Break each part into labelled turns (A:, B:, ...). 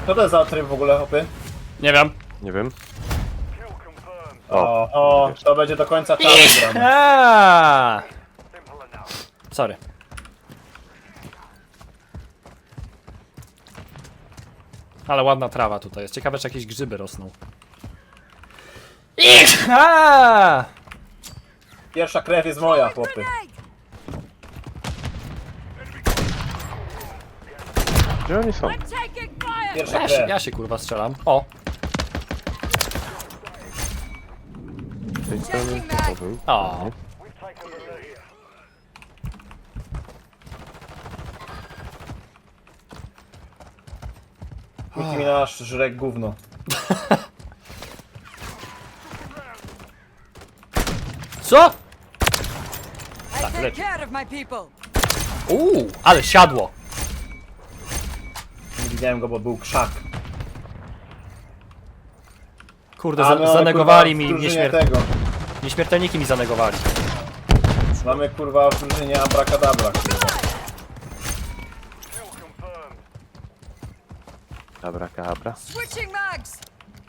A: Co to jest za tryb w ogóle, hopy?
B: Nie wiem.
C: Nie wiem.
A: O, to będzie do końca czasu gramy.
B: Sorry. Ale ładna trawa tutaj jest. Ciekawe, czy jakieś grzyby rosną.
A: Pierwsza krew jest moja, chłopy.
C: Gdzie oni są?
A: Pierwsza
B: Ja się,
A: krew.
B: ja się kurwa strzelam. O!
C: Z tej strony to był.
B: O!
A: Nicki Minaj żre gówno.
B: Co?
D: I take
B: leci.
D: care of my people.
B: Ale siadło!
A: Nie widziałem go, bo był krzak.
B: Kurde,
A: A, no,
B: zanegowali
A: kurwa,
B: mi
A: w drużynie tego.
B: nieśmiertelniki mi zanegowali.
A: Mamy kurwa w drużynie abracadabra, kurwa.
C: Dobra, kabra.
D: Switching mags.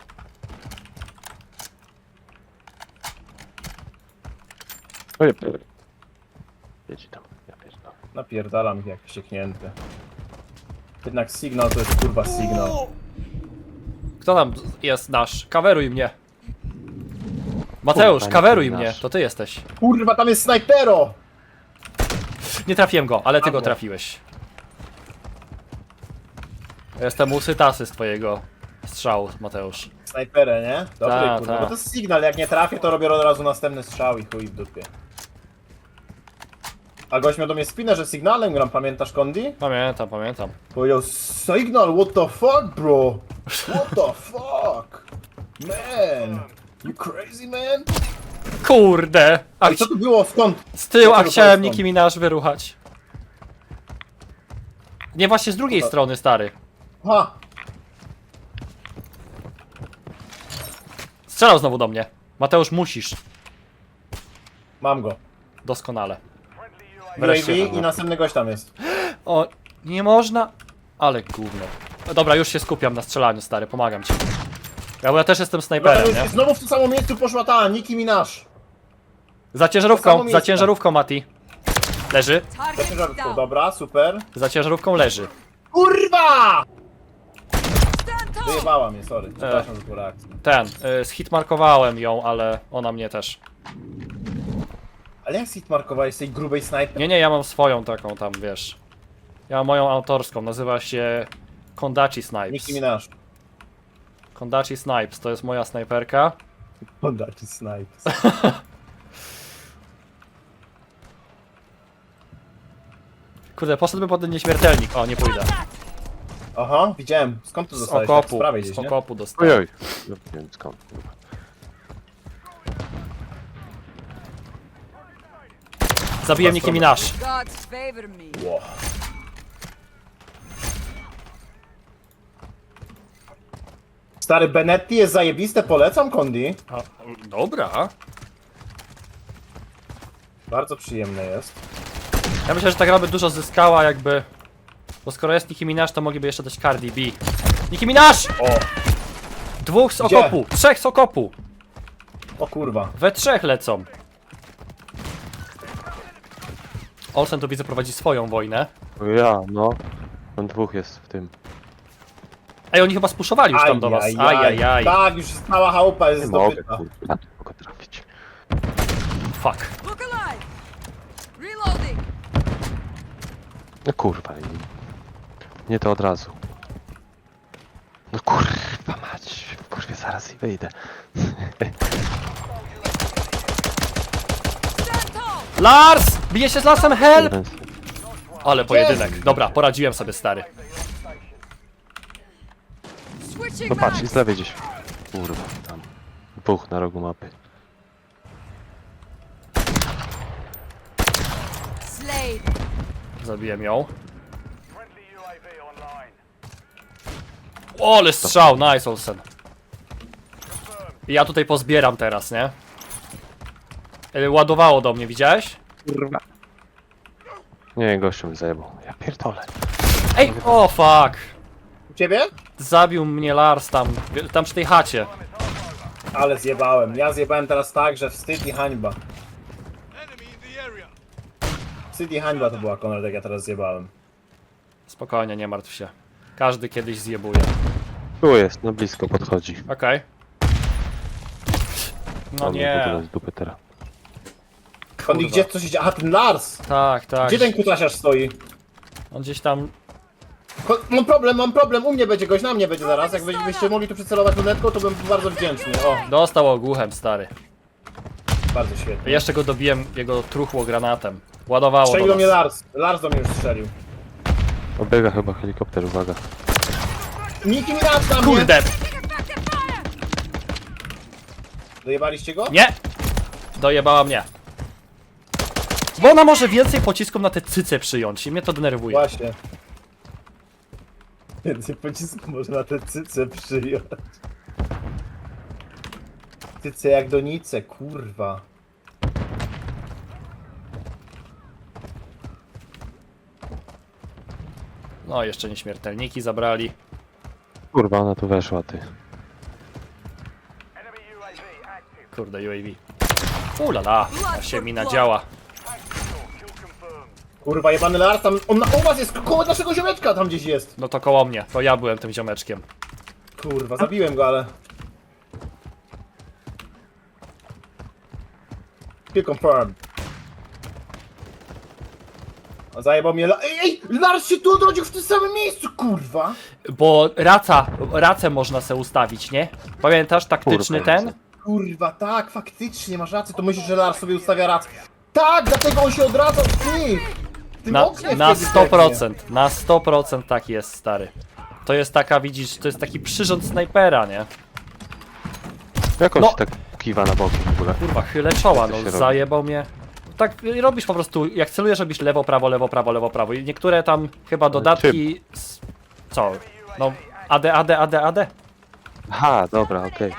C: Oj, jedź tam, ja pierdolę.
A: Napierdalam ich jak wścieknięty. Jednak sygnał to jest kurwa sygnał.
B: Kto tam jest nasz? Kaweruj mnie! Mateusz,
C: Kurwa,
B: kaweruj
C: nie
B: mnie!
C: nasz.
B: To ty jesteś.
A: Kurwa, tam jest snajpero!
B: Nie trafiłem go, ale ty go
A: Padło.
B: trafiłeś. Jestem usytasy z twojego strzału, Mateusz.
A: Snajperę, nie? Dobry,
B: Ta,
A: kurwa.
B: ta.
A: Bo to jest sygnał, jak nie trafię, to robię od razu następny strzał i chuj w dupie. A gość miał do mnie spinę, że sygnałem gram, pamiętasz, Kondi?
B: Pamiętam, pamiętam.
A: Powiedział, signal, what the fuck, bro? What the fuck? Man! You crazy, man?
B: Kurde! A
A: Ale co to było, skąd?
B: z tyłu, a
A: Dlaczego
B: chciałem
A: to jest
B: Nicki Minaj wyruchać. Nie, właśnie z drugiej strony, stary.
A: Aha!
B: Strzelał znowu do mnie. Mateusz, musisz.
A: Mam go.
B: Doskonale.
A: UAV
B: Wreszcie.
A: i następny gość tam jest.
B: O, nie można. Ale gówno. Dobra, już się skupiam na strzelaniu, stary, pomagam ci. Bo ja też jestem snajperem, nie?
A: Znowu w to samo miejscu poszła ta Nicki Minaj.
B: Za
A: To
B: ciężarówką,
A: samo
B: za
A: miejsce.
B: ciężarówką, Mati. Leży.
D: Target
A: Ciężarówką,
D: down.
A: dobra, super.
B: Za ciężarówką leży.
A: Kurwa!
D: Stand tall.
A: Wyjebała mnie, sorry. Przepraszam za tą reakcję.
B: Ten, zhitmarkowałem ją, ale ona mnie też.
A: Ale jak hitmarkowałeś z tej grubej snajpy?
B: Nie, ja mam swoją taką tam, wiesz. Ja mam moją autorską, nazywa się Kondachi Snipes.
A: Nicki Minaj.
B: Kondachi Snipes, to jest moja snajperka.
A: Kondachi Snipes.
B: Kurde, poszedłbym pod ten nieśmiertelnik. O, nie pójdę.
A: Aha, widziałem. Skąd to
B: Z
A: dostałeś? Tak z
B: okopu,
A: prawej
B: z
A: gdzieś, nie?
B: okopu dostałem.
C: Ojoj. No, nie wiem skąd, kurwa.
B: Zabiłem Nicki Minaj.
D: Gods favor me.
A: Ło. Stary Benetti jest zajebiste, polecam, Kondi.
B: A, dobra.
A: Bardzo przyjemne jest.
B: Ja myślę, że ta gra by dużo zyskała jakby... Bo skoro jest Nicki Minaj, to mogliby jeszcze dać Cardi B. Nicki Minaj!
A: O,
B: Dwóch z
A: Gdzie?
B: okopu! Trzech z okopu!
A: o kurwa.
B: We trzech lecą. Olsen tu widzę prowadzi swoją wojnę.
C: O ja, no. Tam dwóch jest w tym.
B: Ej, oni chyba spuszowali już tam do was. Ajajaj.
A: Tak, już cała chałupa jest
C: Nie mogę,
A: zdobyta.
C: kurwa. Nie mogę trafić.
B: Fuck.
D: Look alive. Reloading.
C: No kurwa. Nie to od razu. No kurwa mać. Kurwa zaraz i wyjdę.
D: Stand tall.
B: Lars! Bije się z Larsem, help!
C: Jeden.
B: Ale pojedynek. Dobra, poradziłem sobie, stary.
D: Switching
C: No patrz, i
D: mags.
C: z lewej gdzieś. Kurwa, tam. Dwóch na rogu mapy.
D: Slade.
B: Zabiłem ją. O, ale strzał, nice Olsen. I ja tutaj pozbieram teraz, nie? Ładowało do mnie, widziałeś?
C: Kurwa. Nie, gościu mi zajebał. Ja pierdolę.
B: Ej, o fuck.
A: Ciebie?
B: Zabił mnie Lars tam przy tej chacie.
A: Ale zjebałem. Ja zjebałem teraz tak, że wstyd i hańba. Wstyd i hańba to była, Konrad, jak ja teraz zjebałem.
B: Spokojnie, nie martw się. Każdy kiedyś zjebuje.
C: Tu jest, no blisko podchodzi.
B: Okej. No
C: On mnie w ogóle
B: nie.
C: z dupy teraz.
A: On gdzie coś idzie? Aha, ten Lars!
B: Tak, tak.
A: Gdzie ten kutasiarz stoi?
B: On gdzieś tam...
A: Mam problem, u mnie będzie gość, na mnie będzie zaraz. Jakbyście mogli tu przycelować lunetką, to bym był bardzo wdzięczny. O,
B: Dostał ogłuchem, stary.
A: bardzo świetnie.
B: Jeszcze go dobiłem, jego truchło granatem. Ładowało
A: Strzelił
B: do
A: do mnie
B: nas.
A: Lars. Lars do mnie już strzelił.
C: Obiega chyba helikopter, uwaga.
A: Niki mi raz na mnie!
B: Kurde!
A: Dojebaliście go?
B: Nie! Dojebała mnie. Bo ona może więcej pocisków na te cyce przyjąć i mnie to denerwuje.
A: Właśnie. Więcej pocisku może na te cyce przyjąć. Cyce jak donice, kurwa.
B: No, jeszcze nieśmiertelniki zabrali.
C: Kurwa, ona tu weszła, ty.
B: Kurde, UAV. Ulala, ta się mi nadziała.
A: Kurwa, jebany Lars tam, on u was jest, koło naszego ziomeczka tam gdzieś jest.
B: No to koło mnie, to ja byłem tym ziomeczkiem.
A: Kurwa, zabiłem go, ale... Kill confirmed. A zajebał mnie Ej, Lars się tu odrodził w tym samym miejscu, kurwa!
B: Bo racę można se ustawić, nie? Pamiętasz taktyczny
C: Kurwa,
B: ten?
A: Kurwa, tak, faktycznie, masz rację, to myślisz, że Lars sobie ustawia rację. Tak, dlatego on się odradzał w tym
B: Na
A: oknie
B: na
A: wtedy
B: 100%, na 100% tak jest, stary. To jest taka, widzisz, to jest taki przyrząd snajpera, nie?
C: Jak on
B: No.
C: się tak kiwa na boki w ogóle?
B: Kurwa, chylę czoła,
C: Jak to
B: no
C: się robi?
B: zajebał mnie. Tak robisz po prostu, jak celujesz, robisz lewo, prawo, lewo, prawo, lewo, prawo. I niektóre tam chyba dodatki... Co? No, AD.
C: Aha, dobra, okej.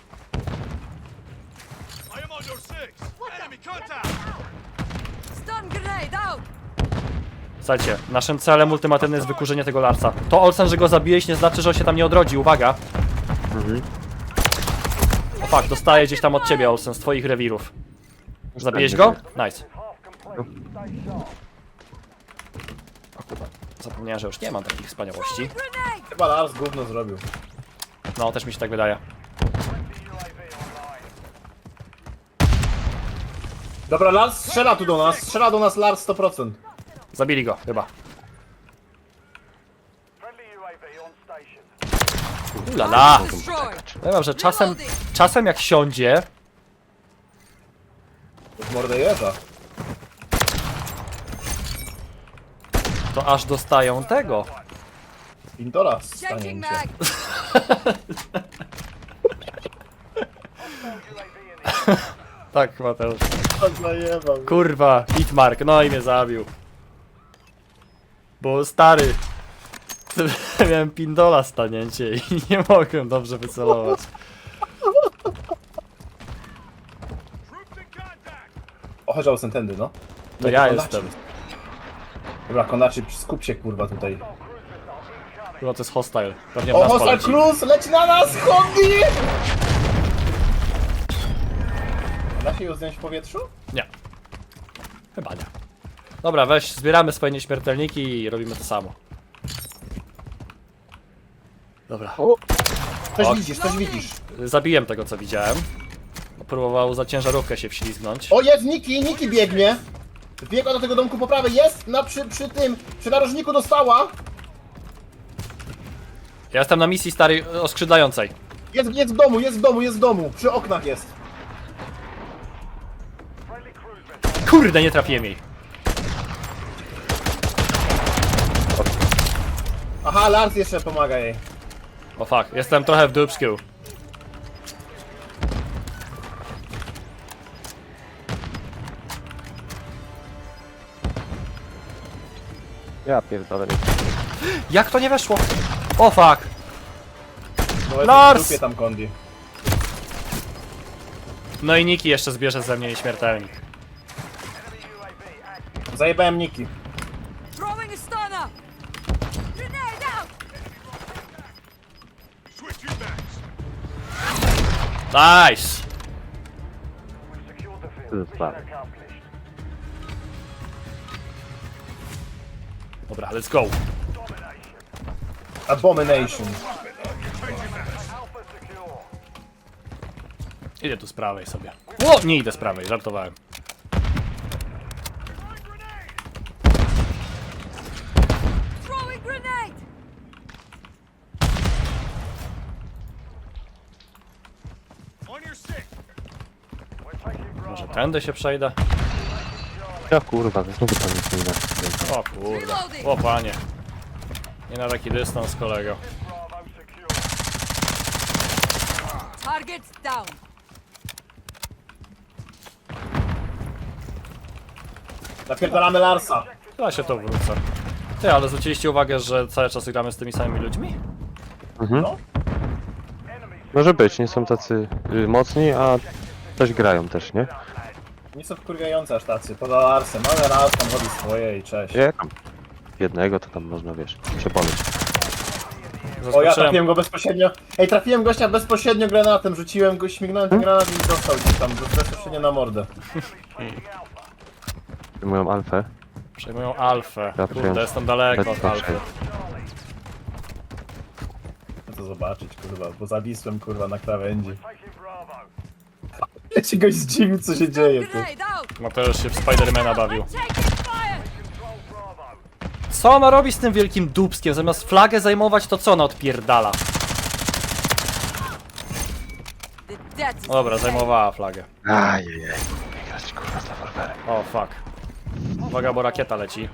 D: Stun grenade out.
B: Słuchajcie, naszym celem ultimatywnym jest wykurzenie tego Larsa. To Olsen, że go zabiłeś, nie znaczy, że on się tam nie odrodzi, uwaga. O fuck, dostaję gdzieś tam od ciebie, Olsen, z twoich rewirów. Zabiłeś go? Nice. O kurwa, zapomniałem, że już nie mam takich wspaniałości.
D: Grenade.
A: Chyba Lars gówno zrobił.
B: No, też mi się tak wydaje.
A: Dobra, Lars strzela tu do nas, strzela do nas Lars 100%.
B: Zabili go, chyba. Ulala!
D: Destroyed.
B: Powiem, że czasem jak siądzie,
A: W mordę jeża.
B: to aż dostają tego.
A: Pintora
D: Changing
A: stanięcie.
D: mag.
B: Tak, Mateusz.
A: Zajebał.
B: Kurwa, Hitmark, no i mnie zabił. Bo stary, miałem pindola stanięcie i nie mogłem dobrze wycelować.
A: O, chodź Olsen tędy, no.
B: To ja
A: Konaczy.
B: jestem.
A: Dobra, Konaczy, skup się kurwa tutaj.
B: Chyba to jest hostile. Pewnie w
A: O,
B: nas
A: Hostile
B: poleci.
A: Cruz, leci na nas, chodzi! Da się ją zdjąć w powietrzu?
B: Nie. Chyba nie. Dobra, weź, zbieramy swoje nieśmiertelniki i robimy to samo. Dobra.
A: Coś
B: O.
A: widzisz, coś widzisz.
B: Zabiłem tego, co widziałem. Próbował za ciężarówkę się wślizgnąć.
A: O, jest Niki biegnie. Biegła do tego domku po prawej, jest przy narożniku dostała.
B: Ja jestem na misji starej oskrzydlającej.
A: Jest w domu, przy oknach jest.
B: Kurde, nie trafiłem jej.
A: Aha, Lars jeszcze pomaga jej.
B: O fuck, jestem trochę w dupsku.
C: Ja pierdolę.
B: Jak to nie weszło? O fuck.
A: No, jest
B: Lars!
A: w dupie tam kondi.
B: No i Niki jeszcze zbierze ze mnie nieśmiertelnik.
A: Zajebałem Niki.
D: Throwing a stunner. Grenade out.
B: Nice!
C: To jest sprawy.
B: Dobra, let's go.
A: Abomination.
B: Idę tu z prawej sobie. O, nie idę z prawej, żartowałem.
D: Throwing grenade!
B: Może tędy się przejdę?
C: Ja kurwa, znowu tam nic nie da.
B: O kurde. O panie. Nie na taki dystans, kolego.
D: Target down.
A: Napierdalamy Larsa.
B: Ja się to wrócę. Ty, ale zwróciliście uwagę, że cały czas gramy z tymi samymi ludźmi?
C: Mhm.
A: No.
C: Może być, nie są tacy mocni, a coś grają też, nie?
A: Nie są wkurwiające aż tacy, poza Larsem, ale Lars tam robi swoje i cześć.
C: Nie, tam jednego to tam można, wiesz, przepomnieć.
A: O, ja
B: Zaskoczyłem.
A: trafiłem go bezpośrednio. Ej, trafiłem gościa bezpośrednio granatem, rzuciłem go, śmignąłem ten granat i dostał gdzieś tam bezpośrednio na mordę.
C: Moją alfę.
B: Przejmują alfę.
C: Ja
B: Kurde,
C: przyjąłem.
B: jestem daleko od
C: Lecę
B: alfy.
A: Chcę to zobaczyć, kurwa, bo zawisłem, kurwa, na krawędzi. Ja się goś zdziwił, co się dzieje, ty.
D: Grenade out!
B: Mateusz się w Spidermana bawił.
D: I'm taking fire!
B: Co ona robi z tym wielkim dupskiem? Zamiast flagę zajmować, to co ona odpierdala?
D: The death is
B: Dobra, zajmowała flagę.
C: Ajajaj. Grać kurwa z rewolwerem.
B: O, fuck. Uwaga, bo rakieta leci.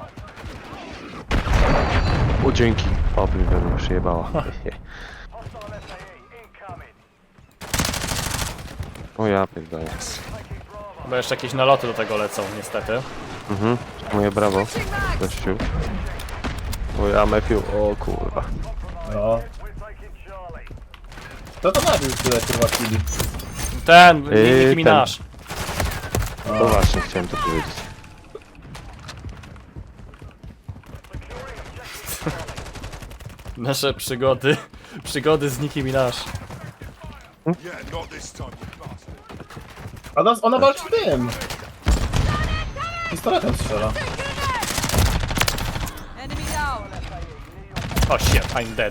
C: O, dzięki. O, mnie przyjebała. O ja pierdolę.
B: Chyba jeszcze jakieś naloty do tego lecą, niestety.
C: Mhm. Moje brawo.
D: switching mags!
C: Gościu. O ja Matthew. O kurwa.
A: No. Kto to nabił tyle, kurwa, chwili?
B: Ten, Nicki
C: ten.
B: Minaj.
C: No właśnie, chciałem to powiedzieć.
B: Nasze przygody. Przygody z Nicki Minaj.
A: A ona walczy tym! Pistoletem strzela.
D: Enemy down!
B: O shit, I'm dead.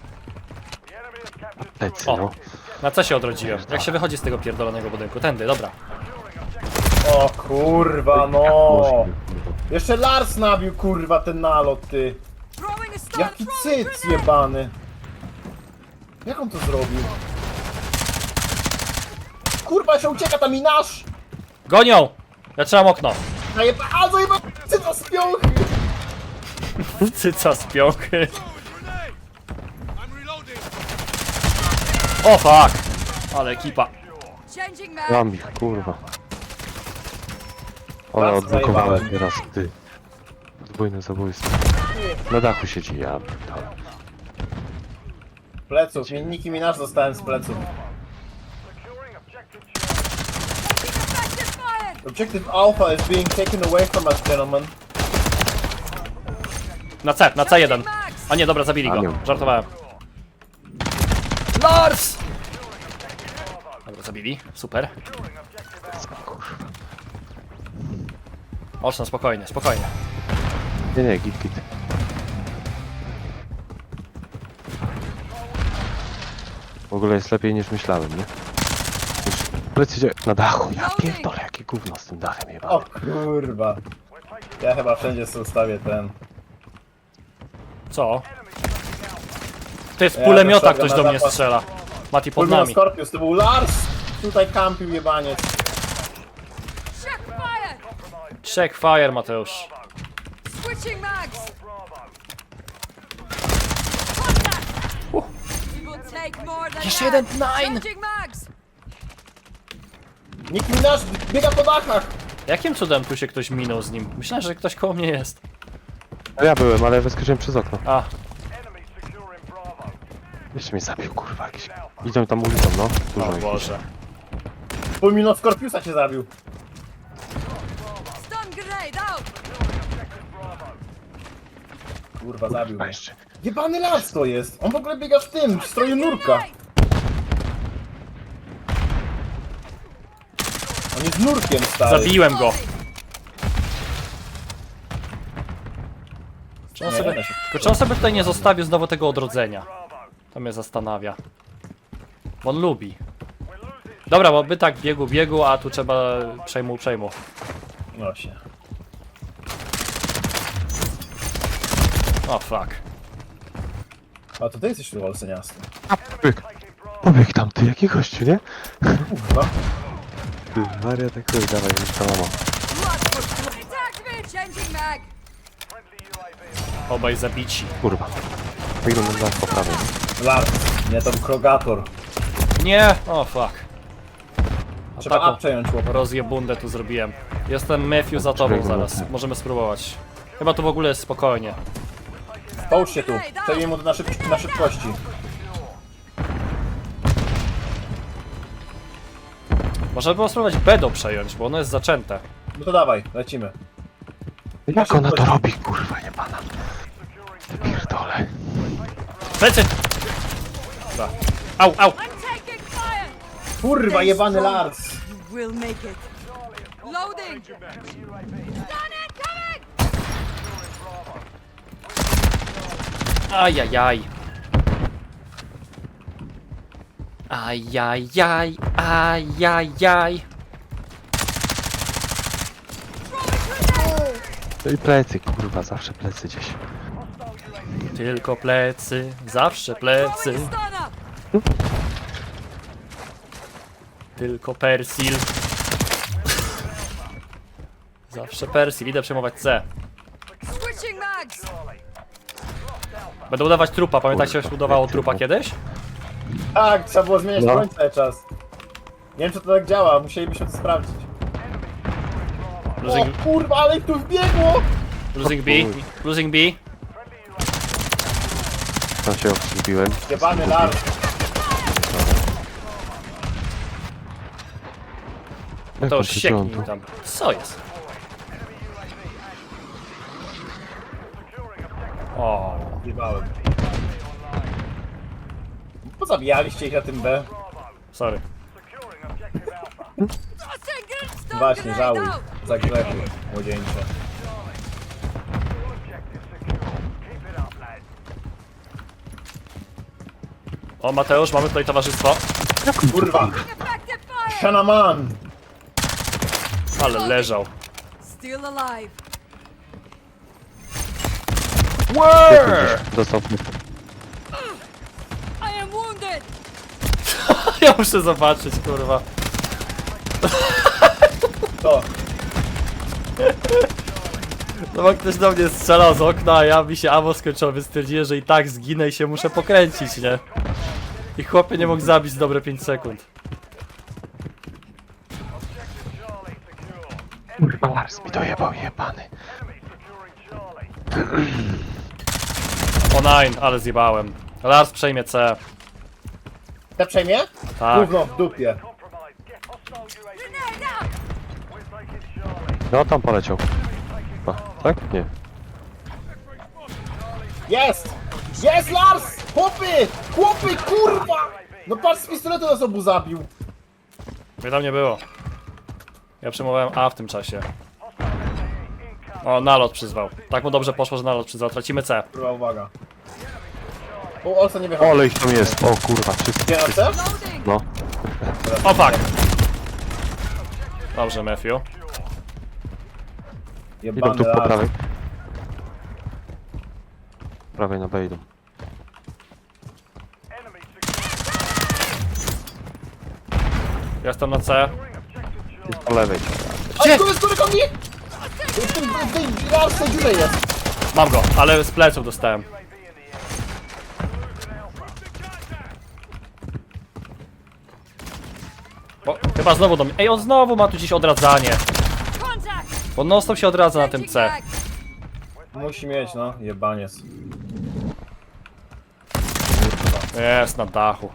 C: Plecy,
B: O.
C: no.
B: Na co się odrodziłem? Jak się wychodzi z tego pierdolonego budynku? Tędy, dobra.
A: O kurwa, no! Jeszcze Lars nabił, kurwa, ten nalot, ty.
D: Throwing a stun!
A: Jaki
D: Throwing
A: cyc
D: grenade!
A: jebany. Jak on to zrobił? Kurwa, się ucieka ta minasz!
B: Gonią! Ja trzymam okno.
A: A, zajeba... Cyca z piąchy!
B: Cyca z piąchy. O fuck! Ale ekipa.
D: Changing mag!
C: Mam ich, kurwa. Ale
A: Raz
C: odblokowałem
A: zajebałem.
C: teraz, ty. Podwójne zabójstwo. Na dachu siedzi, ja pierdolę.
A: Pleców, Nicki Minaj dostałem z pleców.
D: Effective fire!
A: Objective Alpha is being taken away from us, gentlemen.
B: Na C1. A nie, dobra, zabili
C: A,
B: go.
C: nie.
B: Żartowałem. Lars! Dobra, zabili. Super.
C: Kurwa.
B: Oczno, spokojnie, spokojnie.
C: Nie, git, git. W ogóle jest lepiej niż myślałem, nie? Plecy na dachu, ja pierdolę, jakie gówno z tym dachem jebane.
A: O kurwa. Ja chyba wszędzie sobie ustawię ten.
B: Co? Ty, z
A: Ja
B: kulemiota
A: doszedłem
B: ktoś
A: na
B: do mnie
A: zapas.
B: strzela. Mati pod
A: Fulmino
B: nami.
A: Scorpius, to był Lars! Tutaj kampił jebaniec.
D: Check fire!
B: Check fire, Mateusz.
D: Switching mags! Contact! We will take more than
B: Jeszcze
D: that.
B: jeden nine.
D: Changing mags!
A: Nicki Minaj biega po dachach!
B: Jakim cudem tu się ktoś minął z nim? Myślałem, że ktoś koło mnie jest.
C: No ja byłem, ale wyskoczyłem przez okno.
B: A,
C: Jeszcze mnie zabił, kurwa, jakiś. Idą tam ulicą, no. Dużo
B: o
C: ich.
B: Boże.
A: Fulmino Scorpiusa cię zabił.
D: Stun grenade out!
A: Kurwa, zabił
C: Kurwa,
A: mnie.
C: jeszcze.
A: Jebany Lars to jest! On w ogóle biega w tym, w stroju nurka. Nie z nurkiem, stary.
B: Zabiłem go. Czy on
A: Nie,
B: sobie,
A: da się.
B: tylko czy on sobie tutaj nie zostawił znowu tego odrodzenia? To mnie zastanawia. Bo on lubi. Dobra, bo by tak biegu, a tu trzeba przejmu.
A: Właśnie.
B: O fuck.
A: A to ty jesteś tu olseniasty.
C: Pobieg tam, ty, jaki gościu, nie?
A: Kurwa.
C: Ty, Maria, tak chuj, dawaj, już to mamo.
D: Attack me! Changing mag!
B: Obaj zabici.
C: Kurwa. Wyglądam na po prawej.
A: Lars, nie tam krogator.
B: Nie! O fuck. A
A: Trzeba
B: taką
A: up przejąć łopatę.
B: rozjebundę tu zrobiłem. Jestem Matthew za tobą zaraz. Możemy spróbować. Chyba tu w ogóle jest spokojnie.
A: Połóż się tu. Przejmij mu to na szybkości.
B: Można było spróbować Bedo przejąć, bo ono jest zaczęte.
A: No to dawaj, lecimy.
C: Jak ona to robi, kurwa, nie pana? Ty pierdolę.
B: Plecy! Dobra. Au!
D: I'm taking fire!
A: Kurwa, jebany Lars.
D: You will make it. Loading! Stun incoming!
B: Ajajaj. Ajajaj, ajajaj.
C: No i plecy, kurwa, zawsze plecy gdzieś.
B: Tylko plecy, zawsze plecy.
D: Throwing stunner!
B: Tylko Persil. Zawsze Persil, idę przejmować C.
D: Switching mags!
B: Będę udawać trupa, pamiętacie jak się
C: Kurwa,
B: udawało
C: jak
B: trupa
C: ty-
B: kiedyś?
A: Tak, trzeba było zmieniać
C: No.
A: broń cały czas. Nie wiem, czy to tak działa, musielibyśmy to sprawdzić. O
B: Losing,
A: kurwa, ale ich tu wbiegło!
B: losing B, losing B.
C: Tam się obsługiłem.
A: Jebany Lars.
B: To już sieknij tam. Co jest? O,
A: Jebałem. Pozabijaliście ich na tym B.
B: sorry.
D: Tossing it! Stun
A: Właśnie,
D: grenade
A: żałuj.
D: out!
A: Za grzechy, młodzieńcze.
B: O, Mateusz, mamy tutaj towarzystwo.
A: Kurwa!
D: Effective fire!
A: Shanaman!
B: Ale leżał.
D: Still alive.
C: Dostał.
D: I am wounded!
B: Ja muszę zobaczyć, kurwa.
A: To.
B: No bo ktoś do mnie strzelał z okna, a ja mi się ammo skończyło, więc stwierdziłem, że i tak zginę i się muszę pokręcić, nie? I chłopie nie mógł zabić dobre 5 sekund.
C: Kurwa, Lars mi dojebał, jebany.
B: O nine, ale zjebałem. Lars przejmie C.
A: Te przejmie?
B: Tak.
A: Gówno w dupie.
D: Grenade out!
C: No, tam poleciał. A, tak? Nie.
A: Jest! Jest Lars! Chłopy! Chłopy, kurwa! No patrz, z pistoletu nas obu zabił.
B: Mnie tam nie było. Ja przejmowałem A w tym czasie. O, nalot przyzwał. Tak mu dobrze poszło, że nalot przyzwał. Tracimy C.
A: Kurwa, uwaga. O, Olsa nie wychodzi.
C: Ole ich tam jest, o kurwa, wszyscy.
A: Gdzie na C?
D: Loading!
C: No.
B: O fuck! Dobrze, Matthew.
C: Idą
A: Jebany
C: tu po
A: Lars.
C: prawej. Prawej na B idą.
B: Ja jestem na C.
C: Jest po lewej.
A: Gdzie? Tu jest komi! W tej Larsa dziurze jest.
B: Mam go, ale z pleców dostałem. O, chyba znowu do mnie. Ej, on znowu ma tu gdzieś odradzanie.
D: Contact!
B: Bo non stop się odradza na tym
D: Changing
B: C.
D: mag!
A: Musi mieć, no. Jebaniec.
B: Jest na dachu.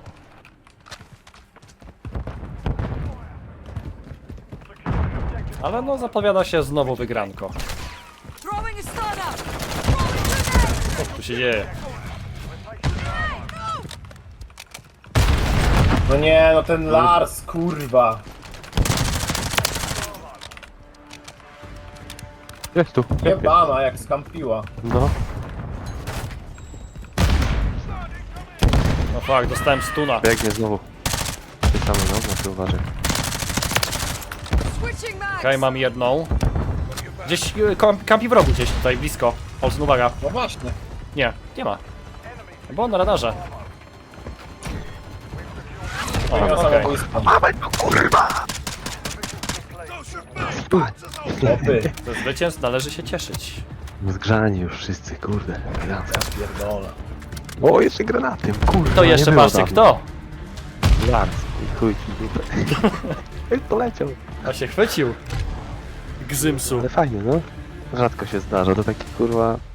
B: Ale no zapowiada się znowu wygranko.
D: Throwing a stunner! Throwing grenade!
B: Co tu się dzieje?
A: No nie, no ten Lars, kurwa.
C: Jest tu.
A: Jebana, jak skampiła.
C: No.
B: No fuck, dostałem stuna.
C: Biegnie znowu. Ty same, no, ty uważaj.
D: Switching mags.
B: Okej, mam jedną. Gdzieś kampi w rogu, gdzieś tutaj blisko. Olsen, uwaga.
A: No właśnie.
B: Nie, nie ma. Bo on na radarze. O,
A: Ja
B: okej.
A: samobójstwo. Chłopy,
B: Ze zwycięstw należy się cieszyć.
C: Zgrzani już wszyscy, kurde. elegancko.
A: pierdolę.
C: O, jeszcze granatem, kurde.
B: To jeszcze patrzcie kto.
C: Lars, i chuj ci dupę. Jak poleciał.
B: A się chwycił. Gzymsu.
C: Ale fajnie, no. Rzadko się zdarza, to taki kurwa